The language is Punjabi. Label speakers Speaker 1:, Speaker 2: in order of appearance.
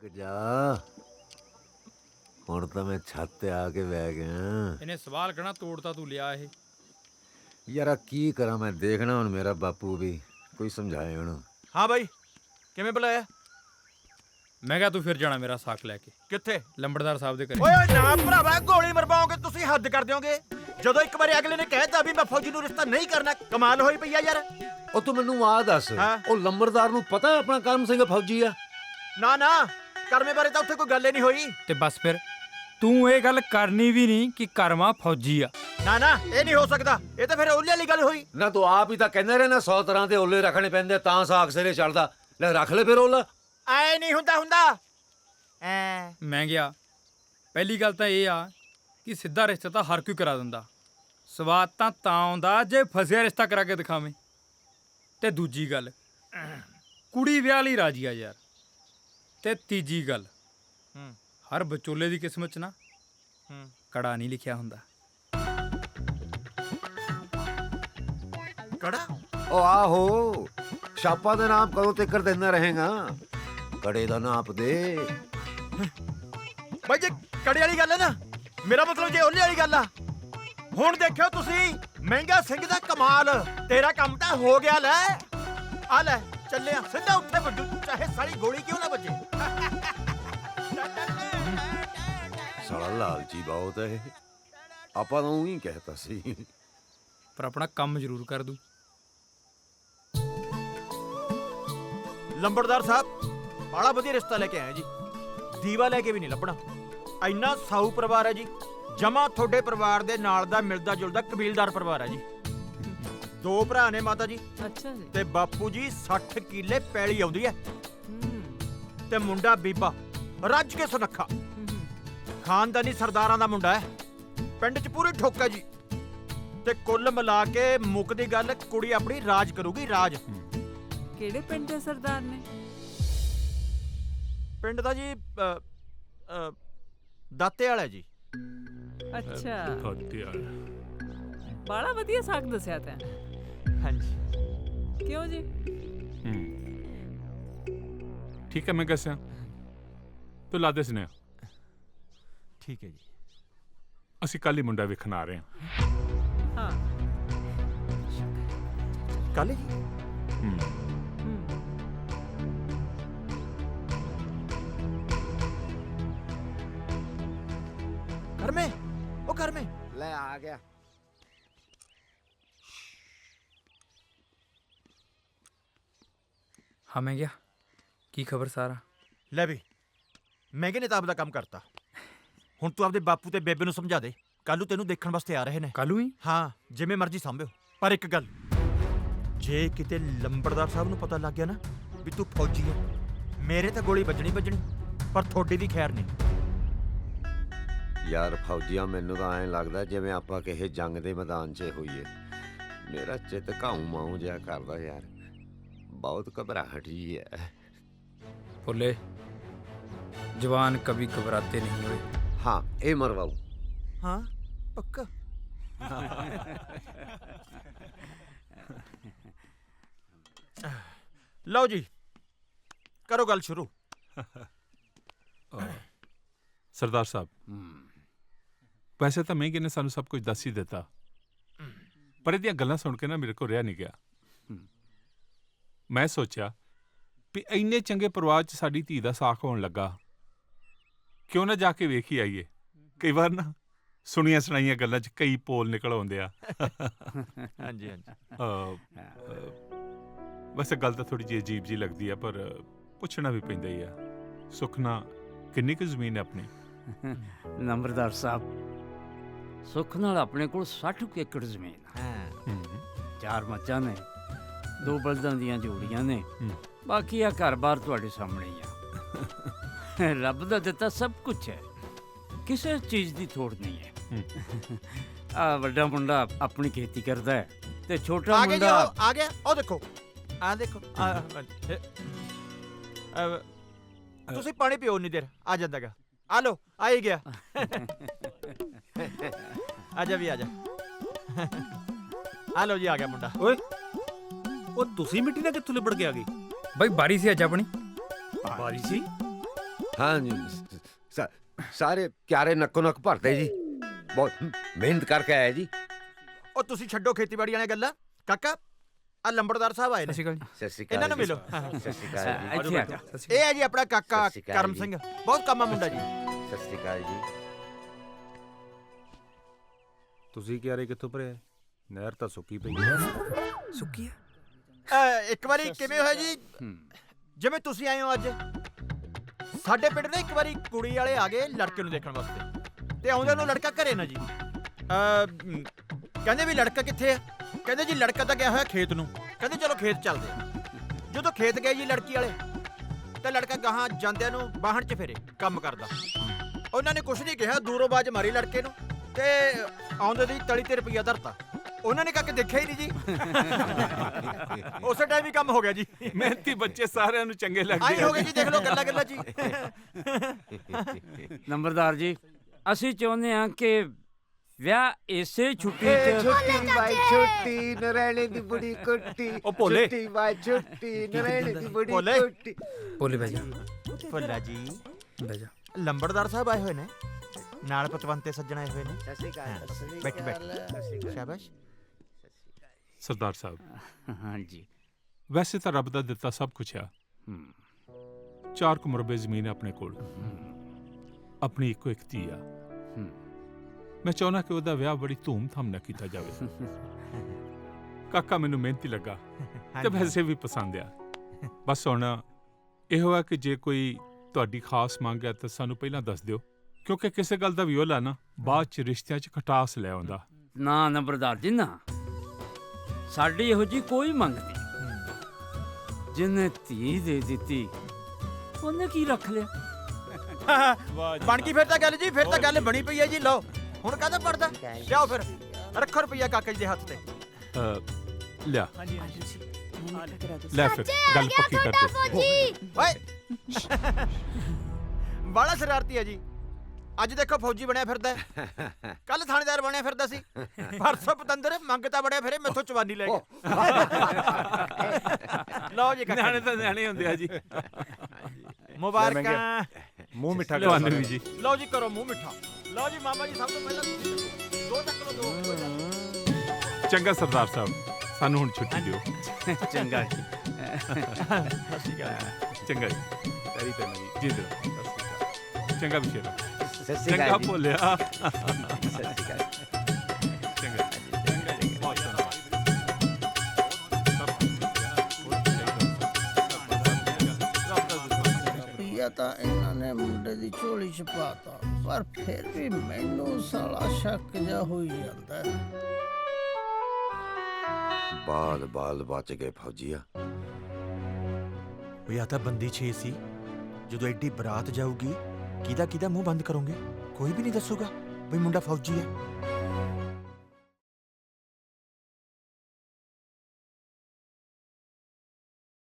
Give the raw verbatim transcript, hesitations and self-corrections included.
Speaker 1: ਜਾ ਹੁਣ ਤਾਂ ਮੈਂ ਛੱਤ ਤੇ ਆ ਕੇ ਬਹਿ ਗਿਆ।
Speaker 2: ਇਹਨੇ ਸਵਾਲ ਕਹਿਣਾ ਤੋੜਤਾ ਤੂੰ ਲਿਆ ਇਹ।
Speaker 1: ਯਾਰਾ ਕੀ ਕਰਾਂ ਮੈਂ, ਦੇਖਣਾ ਹੁਣ ਮੇਰਾ ਬਾਪੂ ਵੀ ਕੋਈ ਸਮਝਾਏ ਹੁਣ।
Speaker 3: ਹਾਂ ਬਾਈ, ਕਿਵੇਂ ਬੁਲਾਇਆ?
Speaker 2: ਮੈਂ ਕਿਹਾ ਤੂੰ ਫਿਰ ਜਾਣਾ ਮੇਰਾ ਸਾਕ ਲੈ ਕੇ।
Speaker 3: ਕਿੱਥੇ?
Speaker 2: ਲੰਬੜਦਾਰ ਸਾਹਿਬ ਦੇ ਘਰੇ।
Speaker 3: ਓਏ ਨਾ ਭਰਾਵਾ, ਗੋਲੀ ਮਰਵਾਓਗੇ ਤੁਸੀਂ, ਹੱਦ ਕਰ ਦਿਓਗੇ। ਜਦੋਂ ਇੱਕ ਵਾਰੀ ਅਗਲੇ ਨੇ ਕਹਿਤਾ ਵੀ ਮੈਂ ਫੌਜੀ ਨੂੰ ਰਿਸ਼ਤਾ ਨਹੀਂ ਕਰਨਾ, ਕਮਾਲ ਹੋਈ ਪਈ ਆ ਯਾਰ।
Speaker 1: ਉਹ ਤੂੰ ਮੈਨੂੰ ਆ ਦੱਸ,
Speaker 3: ਹਾਂ?
Speaker 1: ਉਹ ਲੰਬੜਦਾਰ ਨੂੰ ਪਤਾ ਆਪਣਾ ਕਰਮ ਸਿੰਘ ਫੌਜੀ ਆ?
Speaker 3: ਨਾ ਨਾ, ਕਰਮੇ ਬਾਰੇ ਤਾਂ ਉੱਥੇ ਕੋਈ ਗੱਲ ਹੀ ਨਹੀਂ ਹੋਈ।
Speaker 2: ਤੇ ਬਸ ਫਿਰ ਤੂੰ ਇਹ ਗੱਲ ਕਰਨੀ ਵੀ ਨਹੀਂ ਕਿ ਕਰਮਾ ਫੌਜੀ ਆ।
Speaker 3: ਨਾ ਨਾ, ਇਹ ਨਹੀਂ ਹੋ ਸਕਦਾ, ਇਹ ਤਾਂ ਫਿਰ ਉਹਲੇ ਵਾਲੀ ਗੱਲ ਹੋਈ
Speaker 1: ਨਾ। ਤੂੰ ਆਪ ਹੀ ਤਾਂ ਕਹਿੰਦੇ ਰਹੇ ਨਾ ਸੌ ਤਰ੍ਹਾਂ ਦੇ ਓਲੇ ਰੱਖਣੇ ਪੈਂਦੇ ਤਾਂ ਸਾਗ ਸਿਰੇ ਚੜਦਾ। ਲੈ ਰੱਖ ਲੈ ਫਿਰ ਓਲਾ।
Speaker 3: ਐ ਨਹੀਂ ਹੁੰਦਾ ਹੁੰਦਾ ਐ।
Speaker 2: ਮੈਂ ਗਿਆ। ਪਹਿਲੀ ਗੱਲ ਤਾਂ ਇਹ ਆ ਕਿ ਸਿੱਧਾ ਰਿਸ਼ਤਾ ਤਾਂ ਹਰ ਕੋਈ ਕਰਾ ਦਿੰਦਾ, ਸਵਾਦ ਤਾਂ ਤਾਂ ਆਉਂਦਾ ਜੇ ਫਸਿਆ ਰਿਸ਼ਤਾ ਕਰਾ ਕੇ ਦਿਖਾਵੇਂ। ਤੇ ਦੂਜੀ ਗੱਲ, ਕੁੜੀ ਵਿਆਹ ਲਈ ਰਾਜੀ ਆ ਯਾਰ। ਤੇ ਤੀਜੀ ਗੱਲ,
Speaker 3: ਹੂੰ
Speaker 2: ਹਰ ਵਿਚੋਲੇ ਦੀ ਕਿਸਮਤ 'ਚ ਨਾ
Speaker 3: ਹੂੰ
Speaker 2: ਕੜਾ ਨਹੀਂ ਲਿਖਿਆ ਹੁੰਦਾ।
Speaker 3: ਕੜਾ?
Speaker 1: ਉਹ ਆਹੋ, ਛਾਪਾ ਦੇ ਨਾਮ ਕਦੋਂ ਤੱਕ ਦਿੰਦਾ ਰਹੇਗਾ? ਕੜੇ ਦਾ ਨਾਪ ਦੇ।
Speaker 3: ਬਾਈ ਜੇ ਕੜੇ ਵਾਲੀ ਗੱਲ ਹੈ ਨਾ, ਮੇਰਾ ਮਤਲਬ ਜੇ ਉਹਲੇ ਵਾਲੀ ਗੱਲ ਆ। ਹੁਣ ਦੇਖਿਓ ਤੁਸੀਂ, ਮਹਿੰਗਾ ਸਿੰਘ ਦਾ ਕਮਾਲ। ਤੇਰਾ ਕੰਮ ਤਾਂ ਹੋ ਗਿਆ। ਲੈ ਆ ਲੈ, ਚੱਲਿਆ ਸਿੱਧਾ ਉੱਥੇ ਵੱਜੂ, ਚਾਹੇ ਸਾਰੀ ਗੋਲੀ ਕਿਉਂ ਨਾ ਵੱਜੇ।
Speaker 1: ਸਾਲਾ ਲਾਲਚੀ ਬਹੁਤ ਹੈ ਇਹ। ਆਪਾਂ ਤਾਂ ਉਹੀ ਕਹਿਤਾ ਸੀ।
Speaker 2: ਪਰ ਆਪਣਾ ਕੰਮ ਜ਼ਰੂਰ ਕਰ ਦੂ।
Speaker 3: ਲੰਬੜਦਾਰ ਸਾਹਿਬ, ਬੜਾ ਵਧੀਆ ਰਿਸ਼ਤਾ ਲੈ ਕੇ ਆਇਆ ਜੀ। ਦੀਵਾ ਲੈ ਕੇ ਵੀ ਨਹੀਂ ਲੱਭਣਾ। ਇੰਨਾ ਸਾਊ ਪਰਿਵਾਰ ਹੈ ਜੀ, ਜਮਾ ਤੁਹਾਡੇ ਪਰਿਵਾਰ ਦੇ ਨਾਲ ਦਾ ਮਿਲਦਾ ਜੁਲਦਾ ਕਬੀਲਦਾਰ ਪਰਿਵਾਰ ਹੈ ਜੀ। ਦੋ ਭਰਾ ਨੇ ਮਾਤਾ ਜੀ,
Speaker 4: ਅੱਛਾ ਜੀ।
Speaker 3: ਤੇ ਬਾਪੂ ਜੀ ਸੱਠ ਕਿੱਲੇ ਪੈਲੀ ਆਉਂਦੀ ਹੈ।
Speaker 4: ਹੂੰ
Speaker 3: ਤੇ ਮੁੰਡਾ ਬੀਬਾ ਰੱਜ ਕੇ ਸੁਨੱਖਾ, ਖਾਨਦਾਨੀ ਸਰਦਾਰਾਂ ਦਾ ਮੁੰਡਾ ਹੈ। ਪਿੰਡ 'ਚ ਪੂਰੀ ਠੋਕ ਹੈ ਜੀ। ਤੇ ਕੁੱਲ ਮਿਲਾ ਕੇ ਮੁੱਕਦੀ ਗੱਲ, ਕੁੜੀ ਆਪਣੀ ਰਾਜ ਕਰੂਗੀ, ਰਾਜ।
Speaker 4: ਕਿਹੜੇ ਪਿੰਡ ਦੇ ਸਰਦਾਰ ਨੇ?
Speaker 3: ਪਿੰਡ ਦਾ ਜੀ ਅ, ਅ, ਦਾਤੇ ਵਾਲਾ ਜੀ।
Speaker 4: ਅੱਛਾ, ਬੜਾ ਵਧੀਆ ਸਾਗ ਦੱਸਿਆ ਤੈਂ।
Speaker 3: ਹਾਂਜੀ।
Speaker 4: ਕਿਉਂ ਜੀ?
Speaker 5: ਠੀਕ ਹੈ, ਮੈਂ ਦੱਸਿਆ ਤੂੰ ਲਾ ਦੇ ਸੁਨੇਹਾ।
Speaker 3: ਠੀਕ ਹੈ ਜੀ।
Speaker 5: ਅਸੀਂ ਕੱਲ ਹੀ ਮੁੰਡਾ ਵੇਖਣ ਆ ਰਹੇ ਹਾਂ।
Speaker 4: ਹਾਂ।
Speaker 3: ਕੱਲ ਜੀ?
Speaker 5: ਹੂੰ
Speaker 4: ਹੂੰ
Speaker 3: ਕਰਮੇ, ਉਹ ਕਰਮੇ।
Speaker 1: ਲੈ ਆ ਗਿਆ।
Speaker 2: ਹਾਂ ਮੈਂ ਗਿਆ। ਕੀ ਖਬਰ ਸਾਰਾ?
Speaker 3: ਲੈ ਵੀ, ਮਹਿੰਗੇ ਨੇ ਤਾਂ ਆਪਦਾ ਕੰਮ ਕਰਤਾ। ਹੁਣ ਤੂੰ ਆਪਦੇ ਬਾਪੂ ਤੇ ਬੇਬੇ ਨੂੰ ਸਮਝਾ ਦੇ, ਕੱਲ ਨੂੰ ਤੈਨੂੰ ਦੇਖਣ ਵਾਸਤੇ ਆ ਰਹੇ ਨੇ।
Speaker 2: ਕੱਲੂ ਹੀ?
Speaker 3: ਹਾਂ, ਜਿਵੇਂ ਮਰਜ਼ੀ ਸੰਭਿਓ। ਪਰ ਇੱਕ ਗੱਲ, ਜੇ ਕਿਤੇ ਲੰਬੜਦਾਰ ਸਾਹਿਬ ਨੂੰ ਪਤਾ ਲੱਗ ਗਿਆ ਨਾ ਵੀ ਤੂੰ ਫੌਜੀ ਹੈ, ਮੇਰੇ ਤਾਂ ਗੋਲੀ ਵੱਜਣੀ ਵੱਜਣੀ, ਪਰ ਤੁਹਾਡੀ ਦੀ ਖੈਰ ਨਹੀਂ।
Speaker 1: ਯਾਰ ਫੌਜੀਆਂ, ਮੈਨੂੰ ਤਾਂ ਐਂ ਲੱਗਦਾ ਜਿਵੇਂ ਆਪਾਂ ਕਿਸੇ ਜੰਗ ਦੇ ਮੈਦਾਨ 'ਚ ਹੋਈਏ। ਮੇਰਾ ਚਿੱਤ ਘਾਉ ਮਾਉ ਜਿਹਾ ਕਰਦਾ ਯਾਰ, ਬਹੁਤ ਘਬਰਾਹਟ ਜੀ ਹੈ।
Speaker 2: ਭੁੱਲੇ, ਜਵਾਨ ਕभी ਘਬਰਾਤੇ ਨਹੀਂ ਹੋਏ।
Speaker 1: ਹਾਂ, ਇਹ ਮਰਵਾਉ।
Speaker 3: ਹਾਂ ਪੱਕਾ। ਲਓ ਜੀ, ਕਰੋ ਗੱਲ ਸ਼ੁਰੂ।
Speaker 5: ਸਰਦਾਰ ਸਾਹਿਬ, ਵੈਸੇ ਤਾਂ ਮਹਿੰਗੇ ਨੇ ਸਾਨੂੰ ਸਭ ਕੁਝ ਦੱਸ ਹੀ ਦਿੱਤਾ, ਪਰ ਇਹਦੀਆਂ ਗੱਲਾਂ ਸੁਣ ਕੇ ਨਾ ਮੇਰੇ ਕੋਲ ਰਿਹਾ ਨਹੀਂ ਗਿਆ। ਮੈਂ ਸੋਚਿਆ ਵੀ ਇੰਨੇ ਚੰਗੇ ਪਰਿਵਾਰ 'ਚ ਸਾਡੀ ਧੀ ਦਾ ਸਾਕ ਹੋਣ ਲੱਗਾ, ਕਿਉਂ ਨਾ ਜਾ ਕੇ ਵੇਖ ਹੀ ਆਈਏ। ਕਈ ਵਾਰ ਨਾ ਸੁਣੀਆਂ ਸੁਣਾਈਆਂ ਗੱਲਾਂ 'ਚ ਕਈ ਪੋਲ ਨਿਕਲ ਆਉਂਦੇ ਆ।
Speaker 3: ਹਾਂਜੀ ਹਾਂਜੀ।
Speaker 5: ਵੈਸੇ ਗੱਲ ਤਾਂ ਥੋੜੀ ਜਿਹੀ ਅਜੀਬ ਜੀ ਲੱਗਦੀ ਆ, ਪਰ ਪੁੱਛਣਾ ਵੀ ਪੈਂਦਾ ਹੀ ਆ। ਸੁਖਨਾ ਕਿੰਨੀ ਕੁ ਜ਼ਮੀਨ ਹੈ ਆਪਣੀ?
Speaker 6: ਨੰਬਰਦਾਰ ਸਾਹਿਬ, ਸੁੱਖ ਨਾਲ ਆਪਣੇ ਕੋਲ ਸੱਠ ਕੁ ਏਕੜ ਜ਼ਮੀਨ ਆ। ਚਾਰ ਮੱਝਾਂ ਨੇ, ਦੋ ਬਲਦਾਂ ਦੀਆਂ ਜੋੜੀਆਂ ਨੇ, ਬਾਕੀ ਆ ਘਰ-ਬਾਰ ਤੁਹਾਡੇ ਸਾਹਮਣੇ ਹੀ ਆ। ਰੱਬ ਦਾ ਦਿੱਤਾ ਸਭ ਕੁਝ ਹੈ, ਕਿਸੇ ਚੀਜ਼ ਦੀ ਥੋੜ ਨਹੀਂ ਹੈ। ਆ ਵੱਡਾ ਮੁੰਡਾ ਆਪਣੀ ਖੇਤੀ ਕਰਦਾ ਹੈ ਤੇ ਛੋਟਾ
Speaker 3: ਆ ਗਿਆ ਜੀ,
Speaker 6: ਮੁੰਡਾ
Speaker 3: ਉਹ ਆ ਗਿਆ। ਉਹ ਦੇਖੋ, ਆ ਦੇਖੋ। ਆ, ਇਹ, ਅ, ਤੁਸੀਂ ਪਾਣੀ ਪੀਓ ਉਨੀ ਦੇਰ, ਆ ਜਾਂਦਾਗਾ। ਆ ਲੋ, ਆ ਹੀ ਗਿਆ। ਆ ਜਾ ਵੀ, ਆ ਜਾ। ਆ ਲੋ ਜੀ, ਆ ਗਿਆ ਮੁੰਡਾ।
Speaker 7: ਓਏ, ਉਹ ਤੁਸੀਂ ਮਿੱਟੀ ਨਾਲ ਕਿੱਥੋਂ ਲਿਬੜ ਕੇ ਆ ਗਈ?
Speaker 2: ਬਈ ਬਾਰੀ ਸੀ ਅੱਜ ਆਪਣੀ।
Speaker 7: ਬਾਰੀ ਸੀ?
Speaker 1: हाँ जी सा, सारे क्यारे नक्को नक भरते जी बहुत मेहनत करके आया जी।
Speaker 3: ਉਹ ਤੁਸੀਂ ਛੱਡੋ ਖੇਤੀਬਾੜੀ ਵਾਲੀਆਂ ਗੱਲਾਂ। ਕਾਕਾ ਆ ਲੰਬੜਦਾਰ ਸਾਹਿਬ ਆਏ ਨੇ,
Speaker 2: ਸਤਿ ਸ਼੍ਰੀ ਅਕਾਲ
Speaker 1: सत श्री
Speaker 3: ਇਹਨਾਂ
Speaker 1: अकाल
Speaker 3: ਨੂੰ
Speaker 1: जी।
Speaker 3: ਮਿਲੋ।
Speaker 1: सत श्री अकाल जी।
Speaker 6: ਇੱਥੇ ਆ ਜਾ।
Speaker 3: ਇਹ ਹੈ ਜੀ ਆਪਣਾ ਕਾਕਾ
Speaker 1: ਸਤਿ ਸ਼੍ਰੀ ਅਕਾਲ
Speaker 3: ਕਰਮ
Speaker 1: ਜੀ।
Speaker 3: ਸਿੰਘ, ਬਹੁਤ ਕੰਮਾ ਮੁੰਡਾ ਜੀ।
Speaker 1: सत श्री अकाल जी।
Speaker 7: ਤੁਸੀਂ ਕਿਆਰੇ ਕਿੱਥੋਂ ਭਰਿਆ? ਨਹਿਰ ਤਾਂ ਸੁੱਕੀ ਪਈ।
Speaker 2: ਸੁੱਕੀ ਹੈ।
Speaker 3: ਅਹ, ਇੱਕ ਵਾਰੀ ਕਿਵੇਂ ਹੋਇਆ ਜੀ,
Speaker 6: ਹੂੰ।
Speaker 3: ਜਿਵੇਂ ਤੁਸੀਂ ਆਏ ਹੋ ਅੱਜ ਸਾਡੇ ਪਿੰਡ ਨਾ, ਇੱਕ ਵਾਰੀ ਕੁੜੀ ਵਾਲੇ ਆ ਗਏ ਲੜਕੇ ਨੂੰ ਦੇਖਣ ਵਾਸਤੇ, ਤੇ ਆਉਂਦੇ ਨੂੰ ਲੜਕਾ ਘਰੇ ਨਾ ਜੀ। ਅਹ, ਮ, ਕਹਿੰਦੇ ਵੀ ਲੜਕਾ ਕਿੱਥੇ ਆ? ਕਹਿੰਦੇ ਜੀ ਲੜਕਾ ਤਾਂ ਗਿਆ ਹੋਇਆ ਖੇਤ ਨੂੰ। ਕਹਿੰਦੇ ਚਲੋ ਖੇਤ ਚੱਲਦੇ ਆ। ਜਦੋਂ ਖੇਤ ਗਏ ਜੀ ਲੜਕੀ ਵਾਲੇ, ਤੇ ਲੜਕਾ ਗਾਹਾਂ ਜਾਂਦਿਆਂ ਨੂੰ ਬਾਹਣ 'ਚ ਫੇਰੇ ਕੰਮ ਕਰਦਾ। ਉਹਨਾਂ ਨੇ ਕੁਛ ਨਹੀਂ ਕਿਹਾ, ਦੂਰੋਂ ਬਾਜ ਮਾਰੀ ਲੜਕੇ ਨੂੰ, ਤੇ ਆਉਂਦੇ ਦੀ ਤਲੀ ਤੇ ਰੁਪਈਆ ਧਰਤਾ। ਉਹਨਾਂ ਨੇ ਕਾਕੇ ਦੇਖਿਆ ਹੀ ਨਹੀਂ ਜੀ। ਉਸੇ ਟਾਈਮ ਹੀ ਕੰਮ ਹੋ ਗਿਆ ਜੀ।
Speaker 5: ਮਿਹਨਤੀ ਬੱਚੇ ਸਾਰਿਆਂ ਨੂੰ ਚੰਗੇ ਲੱਗਦੇ
Speaker 3: ਆਈ ਹੋ ਗਏ ਜੀ, ਦੇਖ ਲਓ ਗੱਲਾਂ ਗੱਲਾਂ ਜੀ।
Speaker 6: ਨੰਬਰਦਾਰ ਜੀ, ਅਸੀਂ ਚਾਹੁੰਦੇ ਹਾਂ ਕਿ ਵਿਆਹ ਇਸੇ ਛੁੱਟੀ
Speaker 1: ए
Speaker 6: 'ਚ
Speaker 1: छोटी बाई छोटी नरैने दी बड़ी कोटी
Speaker 3: ओ भोले।
Speaker 1: छोटी बाई छोटी नरैने दी बड़ी
Speaker 3: भोले।
Speaker 1: कोटी।
Speaker 2: ਬੋਲੇ ਬਹਿ ਜਾ
Speaker 3: ਭੱਲਾ ਜੀ,
Speaker 2: ਬਹਿ ਜਾ।
Speaker 3: ਲੰਬੜਦਾਰ ਸਾਹਿਬ ਆਏ ਹੋਏ ਨੇ, ਨਾਲ ਪਤਵੰਤੇ ਸੱਜਣ ਆਏ ਹੋਏ ਨੇ।
Speaker 1: सत श्री अकाल सत श्री
Speaker 3: ਬੈਠ ਬੈਠ,
Speaker 1: अकाल, सत श्री अकाल।
Speaker 3: ਸ਼ਾਬਾਸ਼।
Speaker 5: ਸਰਦਾਰ ਸਾਹਿਬ,
Speaker 6: ਹਾਂਜੀ।
Speaker 5: ਵੈਸੇ ਤਾਂ ਰੱਬ ਦਾ ਦਿੱਤਾ ਸਭ ਕੁਝ ਆ।
Speaker 6: ਹੂੰ।
Speaker 5: ਚਾਰ ਕੁ ਮੁਰਬੇ ਜ਼ਮੀਨ ਆਪਣੇ ਕੋਲ, ਆਪਣੀ ਇੱਕੋ ਇੱਕ ਧੀ ਆ।
Speaker 6: ਹੂੰ।
Speaker 5: ਮੈਂ ਚਾਹੁੰਦਾ ਕਿ ਉਹਦਾ ਵਿਆਹ ਬੜੀ ਧੂਮ-ਧਾਮ ਨਾਲ ਕੀਤਾ ਜਾਵੇ। ਕਾਕਾ ਮੈਨੂੰ ਮਿਹਨਤੀ ਲੱਗਾ ਤੇ ਵੈਸੇ ਵੀ ਪਸੰਦ ਆ। ਬਸ ਹੁਣ ਇਹੋ ਆ ਕਿ ਜੇ ਕੋਈ ਤੁਹਾਡੀ ਖਾਸ ਮੰਗ ਹੈ ਤਾਂ ਸਾਨੂੰ ਪਹਿਲਾਂ ਦੱਸ ਦਿਓ, ਕਿਉਂਕਿ ਕਿਸੇ ਗੱਲ ਦਾ ਵਿਓਲਾ ਨਾ ਬਾਅਦ ਚ ਰਿਸ਼ਤਿਆਂ ਚ ਖਟਾਸ ਲੈ ਆਉਂਦਾ।
Speaker 6: ਨਾ ਨੰਬਰਦਾਰ ਜੀ, ਨਾ ਸਾਡੀ ਇਹੋ ਜੀ ਕੋਈ ਮੰਗ ਨਹੀਂ। ਜਿਹਨੇ ਧੀ ਦੇ ਦਿੱਤੀ ਉਹਨੇ ਕੀ ਰੱਖ ਲਿਆ?
Speaker 3: ਬਣ ਗਈ ਫਿਰ ਤਾਂ ਗੱਲ ਜੀ, ਫਿਰ ਤਾਂ ਗੱਲ ਬਣੀ ਪਈ ਹੈ ਜੀ। ਲਓ ਹੁਣ ਕਾਹਦਾ ਪੜਦਾ, ਲਿਆਓ ਫਿਰ, ਰੱਖੋ ਰੁਪਈਆ ਕਾਕਾ ਜੀ ਦੇ ਹੱਥ ਤੇ।
Speaker 5: ਅ, ਲਿਆ ਲੈ ਫਿਰ ਗੱਲ ਪੱਕੀ ਕਰ ਦੇ।
Speaker 3: ਓਏ ਬਾਲਾ ਸ਼ਰਾਰਤੀ ਹੈ ਜੀ। ਅੱਜ ਦੇਖੋ ਫੌਜੀ ਬਣਿਆ ਫਿਰਦਾ, ਕੱਲ ਥਾਣੇਦਾਰ ਬਣਿਆ ਫਿਰਦਾ ਸੀ, ਪਰਸੋਂ ਪਤੰਦਰ ਮੰਗਤਾ ਬੜਿਆ ਫਿਰੇ, ਮੈਥੋਂ ਚਵਾਨੀ ਲੈ ਗਿਆ। ਲਓ ਜੀ ਕਾਕਾ
Speaker 5: ਨਿਆਣੇ ਤਾਂ ਨਿਆਣੇ ਹੁੰਦੇ ਆ ਜੀ।
Speaker 3: ਮੁਬਾਰਕਾਂ।
Speaker 7: ਮੂੰਹ ਮਿੱਠਾ ਕਰ
Speaker 5: ਤੁਹਾਨੂੰ ਵੀ ਜੀ।
Speaker 3: ਲਓ ਜੀ ਕਰੋ ਮੂੰਹ ਮਿੱਠਾ। ਲਓ ਜੀ ਮਾਮਾ ਜੀ, ਸਭ ਤੋਂ ਪਹਿਲਾਂ ਤੁਸੀਂ ਚੱਕੋ। ਦੋ ਚੱਕ ਲਓ, ਦੋ ਕੋਈ ਗੱਲ ਨਹੀਂ।
Speaker 5: ਚੰਗਾ ਸਰਦਾਰ ਸਾਹਿਬ, ਸਾਨੂੰ ਹੁਣ ਛੁੱਟੀ ਦਿਓ।
Speaker 6: ਚੰਗਾ ਜੀ।
Speaker 5: ਚੰਗਾ ਜੀ,
Speaker 7: ਤੇਰੀ ਤੇ ਮੇਰੀ।
Speaker 5: ਜੀ ਦਿਓ। ਚੰਗਾ ਵਿਸ਼ੇ
Speaker 1: सत श्री
Speaker 5: ਚੰਗਾ
Speaker 1: अकाल जी।
Speaker 5: ਭੋਲਿਆ।
Speaker 1: सत श्री अकाल।
Speaker 5: ਚੰਗਾ ਬਹੁਤ
Speaker 8: ਰੁਪਈਆ ਤਾਂ ਇਹਨਾਂ ਨੇ ਮੁੰਡੇ ਦੀ ਝੋਲੀ ਚ ਪਾਤਾ, ਪਰ ਫਿਰ ਵੀ ਮੈਨੂੰ ਸਾਲਾ ਸ਼ੱਕ ਜਾ ਹੋਈ ਜਾਂਦਾ ਹੈ।
Speaker 1: बाल बाल बच गए फौजिया।
Speaker 3: ਵੀ ਆ ਤਾਂ ਬੰਦੀ ਛੇ ਸੀ। ਜਦੋਂ ਐਡੀ ਬਰਾਤ ਜਾਊਗੀ, ਕਿਹਦਾ ਕਿਹਦਾ ਮੂੰਹ ਬੰਦ ਕਰੋਗੇ? ਕੋਈ ਵੀ ਨਹੀਂ ਦੱਸੂਗਾ ਵੀ ਮੁੰਡਾ ਫੌਜੀ ਹੈ।